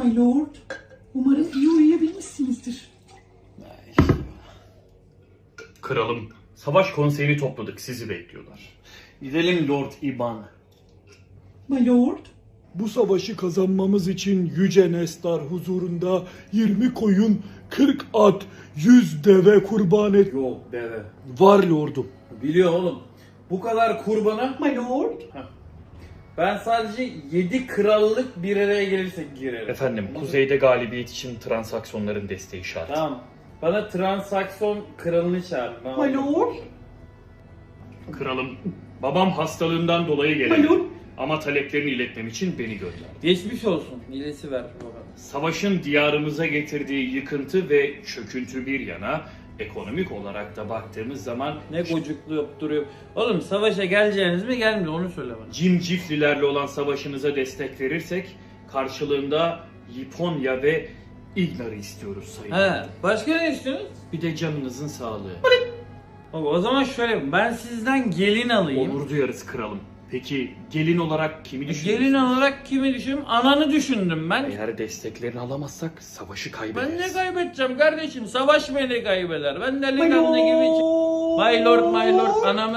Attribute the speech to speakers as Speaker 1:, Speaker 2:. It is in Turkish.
Speaker 1: My Lord, umarım iyi uyuyabilmişsinizdir.
Speaker 2: Kralım, savaş konseyini topladık, sizi bekliyorlar.
Speaker 3: Gidelim Lord İban.
Speaker 1: My Lord,
Speaker 4: Bu savaşı kazanmamız için Yüce Nestar huzurunda 20 koyun, 40 at, 100 deve kurban et.
Speaker 3: Yok deve.
Speaker 4: Var lordum.
Speaker 3: Biliyor oğlum. Bu kadar kurbana
Speaker 1: My Lord,
Speaker 3: ben sadece 7 krallık bir araya gelirse girerim.
Speaker 2: Efendim, kuzeyde galibiyet için transaksiyonların desteği şart.
Speaker 3: Tamam. Bana transaksiyon kralını çağır.
Speaker 1: My Lord,
Speaker 2: Kralım, babam hastalığından dolayı
Speaker 1: My Lord,
Speaker 2: gelemedi. Ama taleplerini iletmem için beni gönderdi.
Speaker 3: Geçmiş olsun. İyilesi ver baba.
Speaker 2: Savaşın diyarımıza getirdiği yıkıntı ve çöküntü bir yana, ekonomik olarak da baktığımız zaman
Speaker 3: Ne gocuklayıp duruyor. Oğlum savaşa geleceğiniz mi gelmiyor onu söyle bana.
Speaker 2: Cimciflilerle olan savaşınıza destek verirsek karşılığında Liponya ve Ignar'ı istiyoruz sayın.
Speaker 3: He, başka ne istiyorsunuz?
Speaker 2: Bir de canınızın sağlığı.
Speaker 3: Baba, o zaman şöyle yapayım. Ben sizden gelin alayım.
Speaker 2: Onur duyarız kralım. Peki gelin olarak kimi düşünüyorsunuz?
Speaker 3: Gelin olarak kimi düşündüm? Ananı düşündüm ben.
Speaker 2: Eğer desteklerini alamazsak savaşı kaybederiz.
Speaker 3: Ben ne kaybedeceğim kardeşim? Savaş beni kaybeder. Ben
Speaker 1: My
Speaker 3: delikanlı gibi...
Speaker 1: Lord.
Speaker 3: My lord, my lord. Anamı